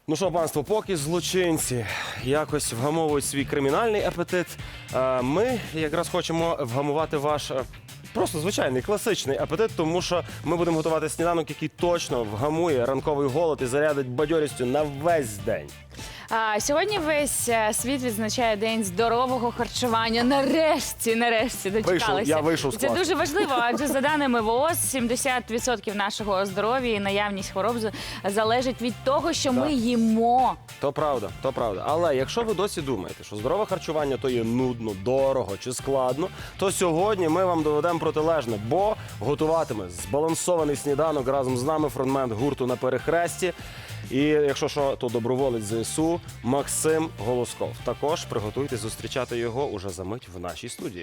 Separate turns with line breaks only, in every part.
Ну що, панство, поки злочинці якось вгамовують свій кримінальний апетит, ми якраз хочемо вгамувати ваш просто звичайний класичний апетит, тому що ми будемо готувати сніданок, який точно вгамує ранковий голод і зарядить бадьорістю на весь день.
Сьогодні весь світ відзначає День здорового харчування. Нарешті дочекалися.
Я вийшов з
Це
класу.
дуже важливо, адже за даними ВООЗ, 70% нашого здоров'я і наявність хвороб залежить від того, що ми їмо.
То правда, то правда. Але якщо ви досі думаєте, що здорове харчування то є нудно, дорого чи складно, то сьогодні ми вам доведемо протилежне, бо готуватиме збалансований сніданок разом з нами фронтмен гурту «На перехресті». І якщо що, то доброволець ЗСУ Максим Голосков. Також приготуйтесь зустрічати його уже за мить в нашій студії.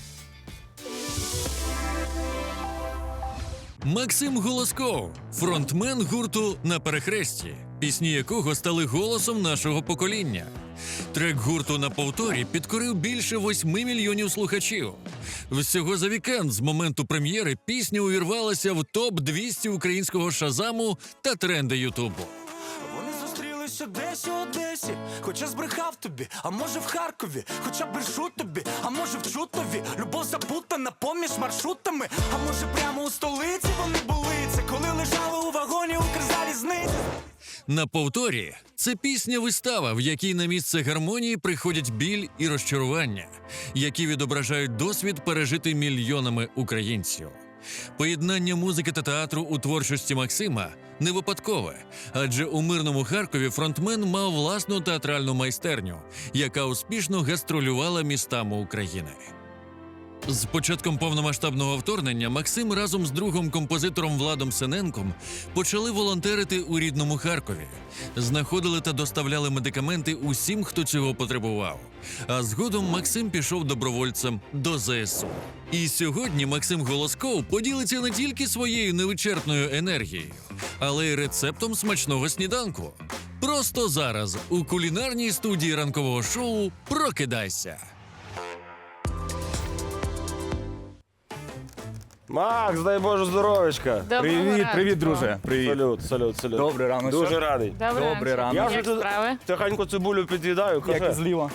Максим Голосков, фронтмен гурту «На перехресті», пісні якого стали голосом нашого покоління. Трек гурту «На повторі» підкорив більше 8 мільйонів слухачів. Всього за вікенд з моменту прем'єри пісня увірвалася в топ-200 українського шазаму та тренди Ютубу.
Вони зустрілися десь у Одесі, хоча збрехав тобі, а може в Харкові, хоча брешу тобі, а може в Чутові. Любов запутана поміж маршрутами, а може прямо у столиці вони були. Це коли лежали у вагоні Укрзалізниці.
«На повторі» – це пісня-вистава, в якій на місце гармонії приходять біль і розчарування, які відображають досвід, пережитий мільйонами українців. Поєднання музики та театру у творчості Максима не випадкове, адже у мирному Харкові фронтмен мав власну театральну майстерню, яка успішно гастролювала містами України. З початком повномасштабного вторгнення Максим разом з другом-композитором Владом Сененком почали волонтерити у рідному Харкові. Знаходили та доставляли медикаменти усім, хто цього потребував. А згодом Максим пішов добровольцем до ЗСУ. І сьогодні Максим Голосков поділиться не тільки своєю невичерпною енергією, але й рецептом смачного сніданку. Просто зараз у кулінарній студії ранкового шоу «Прокидайся».
Макс, дай Боже здоров'ячка.
Привіт, друже. Привіт.
Салют.
Добрий ранок.
Дуже радий.
Добрий ранок.
Я
Як
вже
справи?
тихенько цибулю під'їдаю.
Як
Каже,
зліва.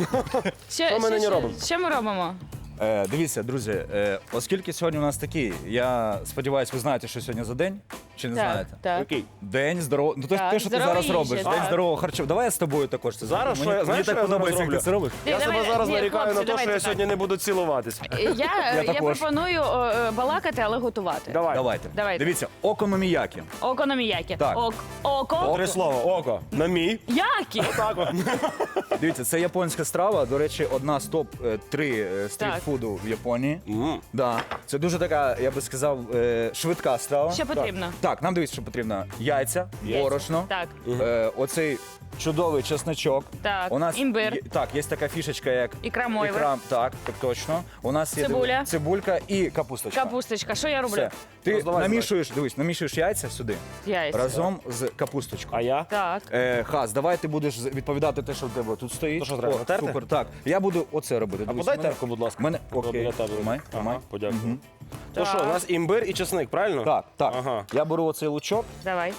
Що ми нині робимо?
Що ми робимо?
Дивіться, друзі, оскільки сьогодні у нас такий, я сподіваюся, ви знаєте, що сьогодні за день? Чи не знаєте?
Так.
Який?
День здорового. Ну,
Так,
те, що ти
здорова
зараз
їжа,
робиш.
так.
День здорового харчування. Давай я з тобою також це
Зараз
зроблю.
що я-
Мені
знаєш,
так
що я зараз
подобається, як ти
роблю?
це робиш.
Я себе
Давай,
зараз
ні,
нарікаю на
хлопці,
те, що я
давайте
сьогодні не буду цілуватись.
Я
також.
пропоную балакати, але готувати.
Давайте.
Давайте.
Дивіться, окономіякі.
Окономіякі.
Так.
Око.
Три слова. Око. На мій.
Які?
Так от.
Дивіться, це японська страва. До речі, одна з топ-3 стрітфуду в Японії. Да. Це дуже така, я би сказав, швидка страва.
Що потрібно?
Так, нам дивіться, що потрібно. Яйця, борошно.
Так.
Оцей чудовий чесночок.
Так,
У нас
імбир.
Так, є така фішечка, як
Ікра мойва.
Так, точно. У нас є
Цибуля.
цибулька і капусточка.
Капусточка. Що я роблю?
Все. Ти
Роздавай,
намішуєш яйця сюди
Яйця.
разом з капусточкою.
А я?
Так.
Хас, давай ти будеш відповідати те, що в тебе тут стоїть.
То що треба, натерти?
Супер, так. Я буду оце робити.
А
Дивись,
подай
мене-
терку, будь ласка.
Мене...
От
Окей,
біля тебе.
тримай.
Ага, подякую.
Мгм.
То що, у нас імбир і чесник, правильно?
Так.
Ага.
Я беру оцей лучок
Давай.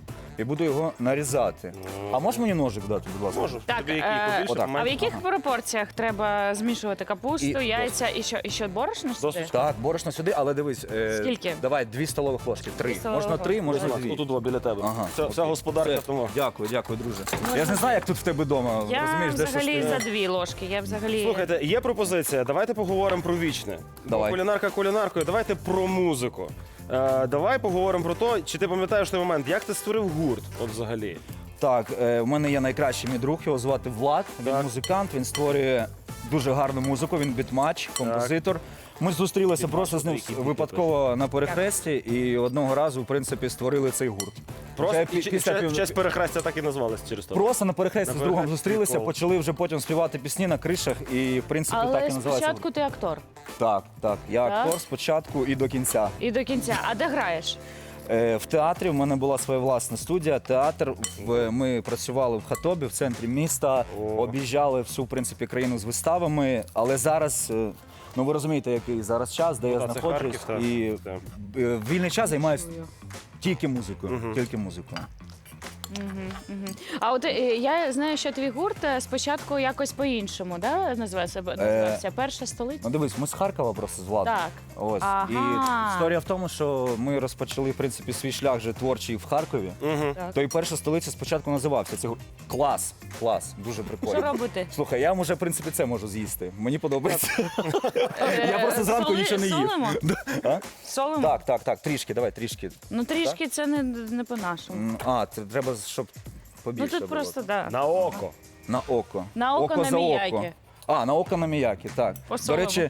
і буду його нарізати. А можеш мені ножик дати, будь ласка?
Можу.
Так,
Тобі який побільше,
отак.
А в
поменше?
яких пропорціях треба змішувати капусту,
І
яйця і що борошно сюди?
Досить.
Так, борошно сюди, але дивись.
Скільки?
Давай, 2 столових ложки. 3.
2 столових
Можна 3,
ложки.
можна
Будь
2.
ласка, отут біля тебе.
Ага,
Вся
окей.
господарка
Все.
тому.
Дякую, друже. Я ж не знаю, як тут в тебе вдома.
Я
Розумієш, де щось
взагалі
ти-
за 2 ложки. Я взагалі...
Слухайте, є пропозиція. Давайте поговоримо про вічне.
Давай.
Кулінарка кулінаркою. Давайте про музику. Давай поговоримо про те, чи ти пам'ятаєш той момент, як ти створив гурт, от взагалі.
Так, в мене є найкращий мій друг, його звати Влад. Він
Так.
музикант, він створює дуже гарну музику, він бітмач, композитор. Ми зустрілися просто з ним
який
випадково на перехресті і одного разу, в принципі, створили цей гурт.
Просто
Вже
в честь перехрестя так і назвалися через то.
Просто на перехресті
На
з другом
перехресті,
зустрілися,
прикол.
почали вже потім співати пісні на кришах, і в принципі так
Але
і називається.
спочатку ти актор.
Так. Я
Так?
актор спочатку і до кінця.
І до кінця. А де граєш?
В театрі в мене була своя власна студія. Театр. Ми працювали в Хатобі, в центрі міста, об'їжджали всю в принципі країну з виставами. Але зараз, ну ви розумієте, який зараз час, де я
це
знаходжусь,
Харків, так.
і
Так.
в вільний час займаюся тільки музикою. Тільки музикою.
А от я знаю, що твій гурт спочатку якось по-іншому, да, називався «Перша столиця».
Ну дивись, ми з Харкова просто з Владом.
Так.
Ось.
Ага.
І історія в тому, що ми розпочали, в принципі, свій шлях вже творчий в Харкові.
Так.
То і перша столиця спочатку називався. Це клас, дуже прикольно.
Що робити?
Слухай, я вже, в принципі, це можу з'їсти. Мені подобається. Я просто зранку нічого не їв.
Солимо?
А?
Солимо?
Так, трішки, давай, трішки.
Ну трішки це не по-нашому.
Це треба, щоб
Ну
побільше
тут
було.
просто, да.
На око.
На око.
На око на
за
міякі.
око. На око на міякі, так. До
По-солому.
речі,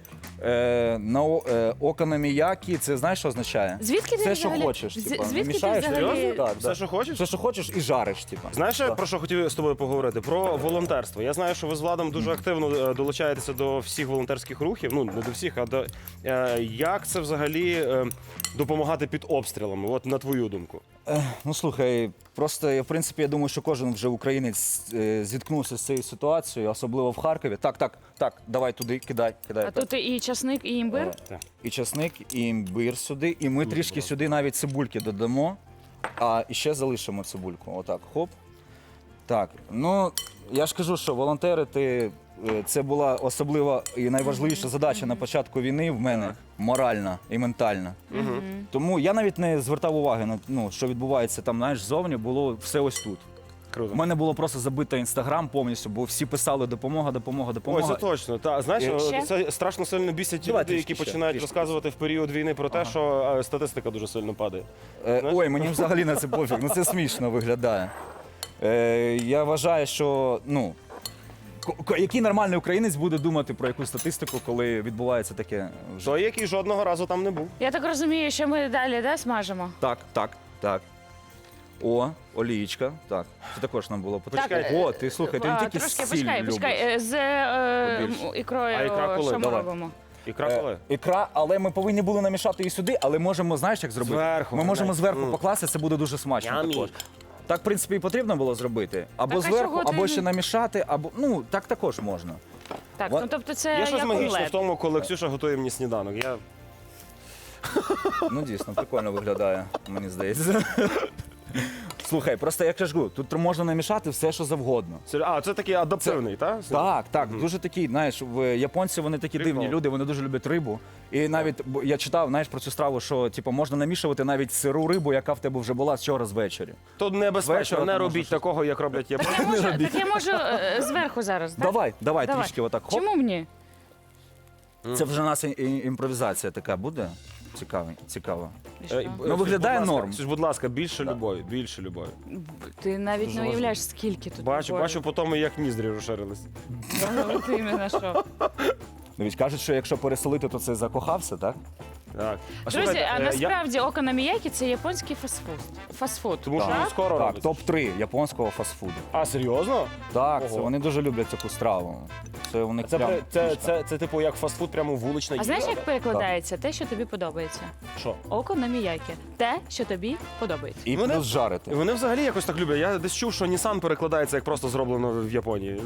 око на міякі, це знаєш, що означає?
Звідки ти
Все, що
взагалі-
хочеш. Типа,
звідки ти
намішаєш,
взагалі-
серйозно? Так,
Все, що хочеш?
Все, що хочеш, і жариш, типа.
Знаєш, про що хотів з тобою поговорити? Про волонтерство. Я знаю, що ви з Владом дуже активно долучаєтеся до всіх волонтерських рухів. Ну, не до всіх, а до як це взагалі допомагати під обстрілами? От на твою думку.
Ну слухай, просто в принципі я думаю, що кожен вже українець зіткнувся з цією ситуацією, особливо в Харкові. Так, давай туди, кидай.
А тут і часник, і імбир?
І часник, і імбир сюди, і ми трішки сюди навіть цибульки додамо, а ще залишимо цибульку. Отак, хоп. Так, ну я ж кажу, що волонтерити це була особлива і найважливіша задача на початку війни в мене моральна і ментальна. Тому я навіть не звертав уваги на що відбувається там, знаєш, ззовні, було все ось тут.
Круто.
У мене було просто забито інстаграм повністю, бо всі писали допомога.
Ой, це точно. Та знаєш,
Ще?
це страшно сильно бісять ті
Давай
люди, які
трішки ще,
починають
трішки.
розказувати в період війни про те, що статистика дуже сильно падає.
Ой, мені взагалі на це пофіг, це смішно виглядає. Я вважаю, що який нормальний українець буде думати про якусь статистику, коли відбувається таке вже.
Той, який жодного разу там не був.
Я так розумію, що ми далі смажемо?
Так. О, олієчка. Так, це також нам було потрібно.
Так,
О, ти слухай, ти не тільки
трошки,
сіль любиш.
почекай. З
Побільше.
ікрою
А ікра коли?
що ми
Давай.
робимо?
Ікра коли?
Ікра, але ми повинні були намішати її сюди, але можемо, знаєш, як зробити?
Зверху,
Ми можемо
знаєш.
зверху покласти, це буде дуже смачно
Ямі.
також. Так, в принципі, і потрібно було зробити. Або
Так, а
зверху,
чого ти
або
не-
ще намішати, або так також можна.
Так,
Ва-
ну тобто це
Є щось
як
магічне в
омлет.
тому, коли Ксюша готує мені сніданок. Я
Ну, дійсно, прикольно виглядає, мені здається. Слухай, просто як я ж кажу, тут можна намішати все, що завгодно.
це такий адаптивний, так?
Так, дуже такий, знаєш, японці вони такі
Прикол.
дивні люди, вони дуже люблять рибу. І навіть я читав, знаєш, про цю страву, що типу, можна намішувати навіть сиру рибу, яка в тебе вже була вчора звечері.
То небезпечно,
Вечора
не
ти
робіть
можеш-
такого, як роблять
Так
японці.
я можу зверху зараз, так?
Давай, трішки отак. Хоп.
Чому мені?
Це вже у нас імпровізація така буде. Цікаво.
Ну,
виглядає норм.
Будь ласка, більше любові, більше любові.
Ти навіть
Дуже
не уявляєш, скільки тут.
Бачу по тому, як ніздрі розширились.
Ти іменно що.
Дивись, кажуть, що якщо переселити, то це закохався, так?
Так.
Друзі, а
я...
насправді окономіякі це японський фастфуд.
Тому що
Так?
він скоро
Так,
робиться.
топ-3 японського фастфуду.
А, серйозно?
Так,
Ого.
це вони дуже люблять таку страву. Це у них прям
Це типу як фастфуд, прямо вулична
А
їжа.
знаєш, як перекладається? Те, що тобі подобається.
Що?
Око на міякі. Те, що тобі подобається.
і
Вони-
плюс жарити.
І вони взагалі якось так люблять. Я десь чув, що Nissan перекладається як просто зроблено в Японії.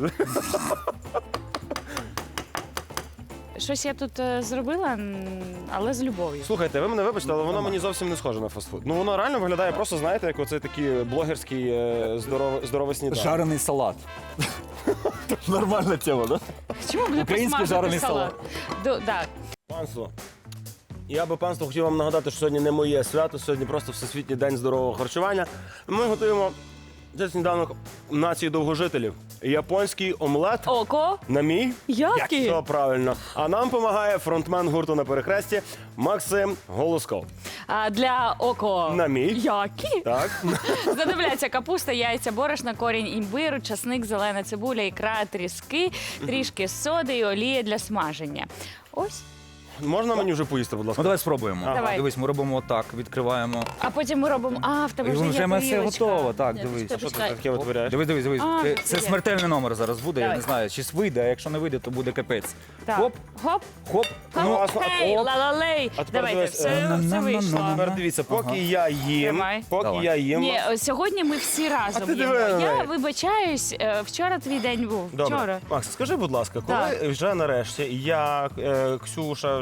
Щось я тут зробила, але з любов'ю.
Слухайте, ви мене вибачте, але воно мені зовсім не схоже на фастфуд. Ну воно реально виглядає просто, знаєте, як оцей такий блогерський здоровий сніданок.
Жарений салат. Нормальна тема, так?
Чому б не
Український
посмажити
жарений
салат? Так.
Панство. Я би панство хотів вам нагадати, що сьогодні не моє свято, сьогодні просто Всесвітній день здорового харчування. Ми готуємо цей сніданок нації довгожителів. Японський омлет
Око?
на мій.
Який?
Все правильно. А нам допомагає фронтмен гурту на перехресті Максим Голосков.
А для око?
На мій.
Які?
Так.
Знадобляться капуста, яйця, борошна, корінь імбиру, часник, зелена цибуля, ікра, тріски, трішки соди і олія для смаження. Ось.
Можна мені вже поїсти, будь
Ну
ласка?
давай спробуємо.
Давай.
Дивись, ми робимо отак, відкриваємо.
А потім ми робимо. В тебе
І
вже є
вже ми все
тарілочка.
готово, так,
Ні,
дивись.
почекай,
Що ти
почекай.
таке витворяєш?
Дивись.
А,
Це
є.
смертельний номер зараз буде, я
Давай.
не знаю, чи вийде, а якщо не вийде, то буде капець.
Так.
Хоп,
Хоп.
хоп. Ну,
Хей,
оп.
ла-ла-лей.
А тепер
Давайте,
дивись,
все вийшло.
Тепер дивіться, поки я їм,
Тримай.
Давай.
Ні, сьогодні ми всі разом
ти
їмо.
диви на
Я
неї.
вибачаюсь, вчора твій день був.
Добре.
Вчора.
Макс, скажи, будь ласка, коли
Так.
вже нарешті я, Ксюша, вже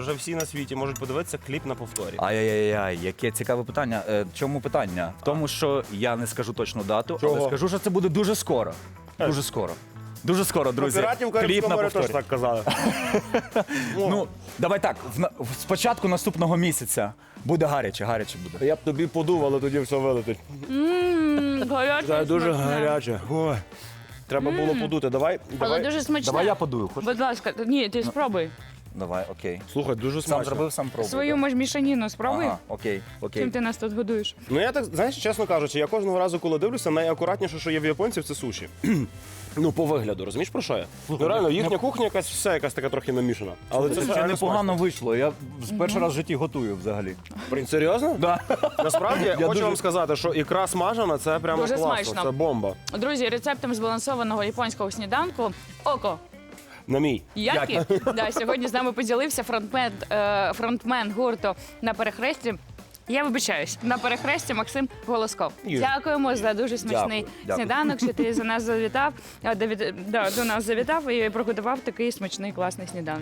вже всі на світі можуть подивитися кліп на повторі.
Ай-яй-яй, яке цікаве питання. Чому питання? В тому, що я не скажу точну дату,
Чого?
але скажу, що це буде дуже скоро. Дуже скоро. Дуже скоро, друзі.
Піратів
Кліп
Карибського
на
моря теж
повторі.
так казали.
Ну, давай так, спочатку наступного місяця буде гаряче буде.
Я б тобі подув, але тоді все вилетить.
Гаряче,
Це дуже
смачне.
гаряче. Ой. Треба було подути. Давай.
Але дуже смачне.
Давай я подую. Хочеш?
Будь ласка, ні, ти спробуй.
Давай, окей.
Слухай, дуже
Сам
смачно.
зробив, сам пробую.
Свою міжмішаніну спробуй.
Ага, окей.
Чим ти нас тут годуєш?
Ну я так, знаєш, чесно кажучи, я кожного разу, коли дивлюся, найакуратніше, що є в японців, це суші. Ну, по вигляду, розумієш про що я? Ну реально, їхня кухня якась все якась така трохи намішана. Але це
Це
реально
непогано вийшло. Я перший раз в житті готую взагалі.
смачно. Серйозно?
Да.
Насправді, я хочу
дуже-
вам сказати, що ікра смажена, це прямо
Дуже
класно,
смачно.
це бомба.
Друзі, рецептом збалансованого японського сніданку Око.
На мій.
Які? Да, сьогодні з нами поділився фронтмен гурту на перехресті. Я вибачаюсь, на перехресті Максим Голосков.
Є.
Дякуємо за дуже смачний
Дякую.
сніданок, що ти за нас завітав, до нас завітав і приготував такий смачний класний сніданок.